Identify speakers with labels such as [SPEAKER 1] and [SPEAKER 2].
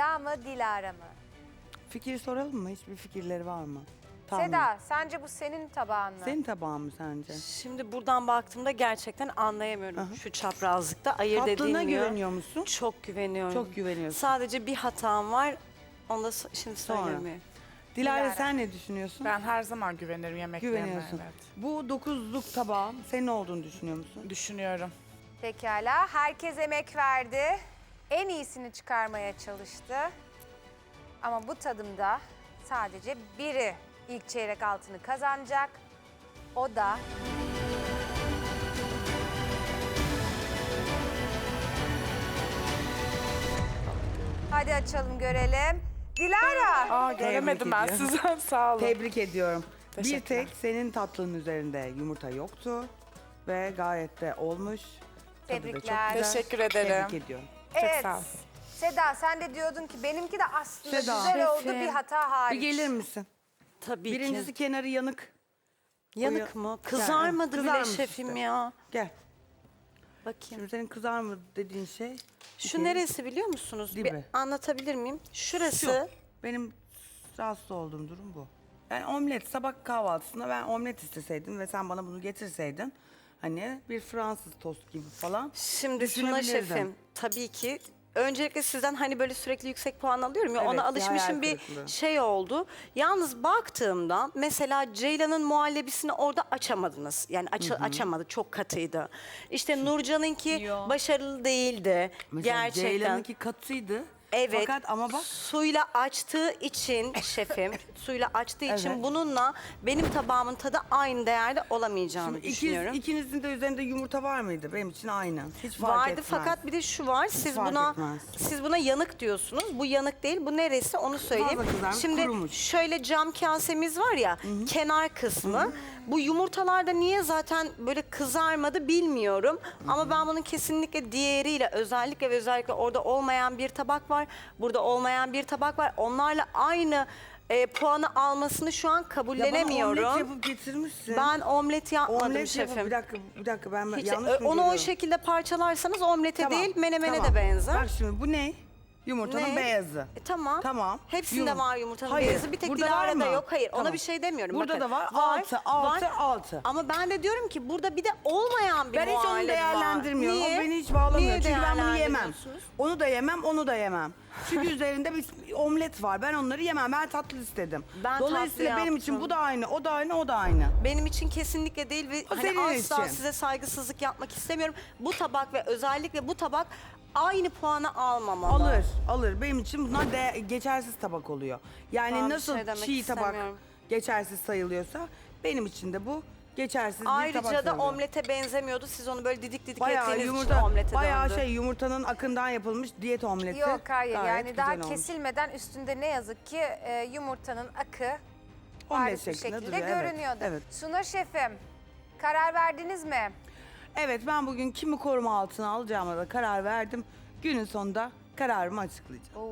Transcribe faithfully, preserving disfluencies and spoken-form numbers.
[SPEAKER 1] Seda mı, Dilara mı?
[SPEAKER 2] Fikir soralım mı? Hiçbir fikirleri var mı? Tahmin.
[SPEAKER 1] Seda, sence bu senin tabağın mı?
[SPEAKER 2] Senin tabağın mı sence?
[SPEAKER 3] Şimdi buradan baktığımda gerçekten anlayamıyorum
[SPEAKER 2] Aha.
[SPEAKER 3] şu çaprazlıkta. Ayırt
[SPEAKER 2] Tatlına
[SPEAKER 3] edilmiyor.
[SPEAKER 2] güveniyor musun?
[SPEAKER 3] Çok güveniyorum.
[SPEAKER 2] Çok güveniyorsun.
[SPEAKER 3] Sadece bir hatam var. Onu da so- şimdi
[SPEAKER 2] Sonra.
[SPEAKER 3] söylemiyorum.
[SPEAKER 2] Dilara,
[SPEAKER 1] Dilara.
[SPEAKER 2] sen ne düşünüyorsun?
[SPEAKER 4] Ben her zaman güvenirim yemeklerime.
[SPEAKER 2] Güveniyorsun.
[SPEAKER 4] Evet.
[SPEAKER 2] Bu dokuzluk tabağın senin olduğunu düşünüyor musun?
[SPEAKER 4] Düşünüyorum.
[SPEAKER 1] Pekala, herkes emek verdi. En iyisini çıkarmaya çalıştı. Ama bu tadımda sadece biri ilk çeyrek altını kazanacak. O da... Hadi açalım görelim. Dilara!
[SPEAKER 4] Aa göremedim ben
[SPEAKER 2] ediyorum.
[SPEAKER 4] sizi. Sağ olun.
[SPEAKER 2] Tebrik ediyorum. Bir
[SPEAKER 4] Teşekkürler.
[SPEAKER 2] tek senin tatlının üzerinde yumurta yoktu ve gayet de olmuş. Tadı da çok
[SPEAKER 1] Tebrikler.
[SPEAKER 2] güzel.
[SPEAKER 4] Teşekkür ederim.
[SPEAKER 2] Tebrik ediyorum.
[SPEAKER 1] Evet.
[SPEAKER 4] sağ ol.
[SPEAKER 1] Seda, sen de diyordun ki benimki de aslında
[SPEAKER 2] Seda.
[SPEAKER 1] güzel oldu,
[SPEAKER 3] Şefim.
[SPEAKER 1] bir hata hariç.
[SPEAKER 2] Bir gelir misin?
[SPEAKER 3] Tabii
[SPEAKER 2] Birincisi
[SPEAKER 3] ki.
[SPEAKER 2] kenarı yanık.
[SPEAKER 3] Yanık
[SPEAKER 2] o
[SPEAKER 3] mı?
[SPEAKER 2] ya-
[SPEAKER 3] Kızarmadı bile
[SPEAKER 2] Kızarmış
[SPEAKER 3] şefim
[SPEAKER 2] işte.
[SPEAKER 3] ya.
[SPEAKER 2] Gel.
[SPEAKER 3] Bakayım.
[SPEAKER 2] Şimdi senin kızarmadı dediğin şey.
[SPEAKER 3] Şu
[SPEAKER 2] Okey.
[SPEAKER 3] neresi biliyor musunuz? Bir
[SPEAKER 2] Dibi.
[SPEAKER 3] anlatabilir miyim? Şurası.
[SPEAKER 2] Şu. Benim rahatsız olduğum durum bu. Ben omlet, sabah kahvaltısında ben omlet isteseydim ve sen bana bunu getirseydin, hani bir Fransız tost gibi falan.
[SPEAKER 3] Şimdi Suna
[SPEAKER 2] düşünebilirdim.
[SPEAKER 3] şefim tabii ki öncelikle sizden hani böyle sürekli yüksek puan alıyorum ya
[SPEAKER 2] Evet,
[SPEAKER 3] ona
[SPEAKER 2] bir hayal
[SPEAKER 3] alışmışım bir
[SPEAKER 2] kırıklığı.
[SPEAKER 3] şey oldu. Yalnız baktığımda mesela Ceylan'ın muhallebisini orada açamadınız. Yani aç, açamadı çok katıydı. İşte Nurcan'ınki başarılı değildi
[SPEAKER 2] Mesela
[SPEAKER 3] gerçekten.
[SPEAKER 2] Ceylan'ınki katıydı.
[SPEAKER 3] Evet.
[SPEAKER 2] Fakat ama bak
[SPEAKER 3] Suyla açtığı için şefim, suyla açtığı için
[SPEAKER 2] Evet.
[SPEAKER 3] bununla benim tabağımın tadı aynı değerde olamayacağını
[SPEAKER 2] şimdi ikiz,
[SPEAKER 3] düşünüyorum.
[SPEAKER 2] ikinizin de üzerinde yumurta var mıydı? Benim için aynı. Hiç fark
[SPEAKER 3] Vardı
[SPEAKER 2] etmez.
[SPEAKER 3] fakat bir de şu var. Siz
[SPEAKER 2] fark
[SPEAKER 3] buna
[SPEAKER 2] etmez.
[SPEAKER 3] siz buna yanık diyorsunuz. Bu yanık değil. Bu neresi onu söyleyeyim.
[SPEAKER 2] Fazla kızarmış,
[SPEAKER 3] Şimdi
[SPEAKER 2] kurumuş.
[SPEAKER 3] şöyle cam kasemiz var ya kenar kısmı. Bu yumurtalarda niye zaten böyle kızarmadı bilmiyorum. Ama ben bunun kesinlikle diğeriyle özellikle ve özellikle orada olmayan bir tabak var. Burada olmayan bir tabak var. Onlarla aynı e, puanı almasını şu an
[SPEAKER 2] Ya bana
[SPEAKER 3] kabullenemiyorum.
[SPEAKER 2] omlet yapıp getirmişsin.
[SPEAKER 3] Ben omlet yapmadım
[SPEAKER 2] omlet
[SPEAKER 3] şefim.
[SPEAKER 2] yapıp bir dakika bir dakika ben
[SPEAKER 3] Hiç-
[SPEAKER 2] yanlış
[SPEAKER 3] e,
[SPEAKER 2] mı
[SPEAKER 3] onu o
[SPEAKER 2] görüyorum?
[SPEAKER 3] şekilde parçalarsanız omlete
[SPEAKER 2] Tamam,
[SPEAKER 3] değil menemene
[SPEAKER 2] tamam.
[SPEAKER 3] de benzer.
[SPEAKER 2] Bak şimdi bu ne? Yumurtanın
[SPEAKER 3] Ne?
[SPEAKER 2] beyazı.
[SPEAKER 3] E, tamam.
[SPEAKER 2] Tamam.
[SPEAKER 3] Hepsinde
[SPEAKER 2] Yum-
[SPEAKER 3] var yumurtanın
[SPEAKER 2] Hayır,
[SPEAKER 3] beyazı. Bir tek
[SPEAKER 2] burada var
[SPEAKER 3] Dilara'da
[SPEAKER 2] mı?
[SPEAKER 3] yok. Hayır ona
[SPEAKER 2] Tamam.
[SPEAKER 3] bir şey demiyorum.
[SPEAKER 2] Burada
[SPEAKER 3] Bakın,
[SPEAKER 2] da var. Altı, altı, altı.
[SPEAKER 3] Ama ben de diyorum ki burada bir de olmayan bir
[SPEAKER 2] Ben hiç onu
[SPEAKER 3] muhallebi var.
[SPEAKER 2] değerlendirmiyorum.
[SPEAKER 3] Niye?
[SPEAKER 2] O beni hiç bağlamıyor.
[SPEAKER 3] Niye
[SPEAKER 2] Çünkü ben bunu yemem.
[SPEAKER 3] değerlendirmiyorsunuz?
[SPEAKER 2] Onu da yemem, onu da yemem. Çünkü üzerinde bir omlet var. Ben onları yemem. Ben tatlı istedim.
[SPEAKER 3] Ben
[SPEAKER 2] Dolayısıyla
[SPEAKER 3] tatlı
[SPEAKER 2] benim için
[SPEAKER 3] yaptım.
[SPEAKER 2] bu da aynı, o da aynı, o da aynı.
[SPEAKER 3] Benim için kesinlikle değil ve
[SPEAKER 2] O
[SPEAKER 3] hani
[SPEAKER 2] senin
[SPEAKER 3] asla
[SPEAKER 2] için.
[SPEAKER 3] size saygısızlık yapmak istemiyorum. Bu tabak ve özellikle bu tabak aynı puanı almamalı.
[SPEAKER 2] Alır, alır. Benim için bunlar de geçersiz tabak oluyor. Yani
[SPEAKER 3] Ben bir
[SPEAKER 2] nasıl
[SPEAKER 3] şey demek
[SPEAKER 2] çiğ tabak
[SPEAKER 3] istemiyorum.
[SPEAKER 2] geçersiz sayılıyorsa benim için de bu geçersiz bir tabak
[SPEAKER 3] Ayrıca da
[SPEAKER 2] sayılıyor.
[SPEAKER 3] omlete benzemiyordu. Siz onu böyle didik didik
[SPEAKER 2] Bayağı
[SPEAKER 3] ettiğiniz için
[SPEAKER 2] yumurta,
[SPEAKER 3] omlete
[SPEAKER 2] bayağı
[SPEAKER 3] döndü.
[SPEAKER 2] şey yumurtanın akından yapılmış diyet omleti.
[SPEAKER 1] Yok hayır,
[SPEAKER 2] Gayet
[SPEAKER 1] yani daha
[SPEAKER 2] güzel olmuş.
[SPEAKER 1] kesilmeden üstünde ne yazık ki e, yumurtanın akı
[SPEAKER 2] Omlet
[SPEAKER 1] bariz bir
[SPEAKER 2] şeklinde
[SPEAKER 1] şekilde
[SPEAKER 2] duruyor, evet,
[SPEAKER 1] görünüyordu.
[SPEAKER 2] evet.
[SPEAKER 1] Suna şefim, karar verdiniz mi?
[SPEAKER 2] Evet, ben bugün kimi koruma altına alacağıma da karar verdim. Günün sonunda kararımı açıklayacağım.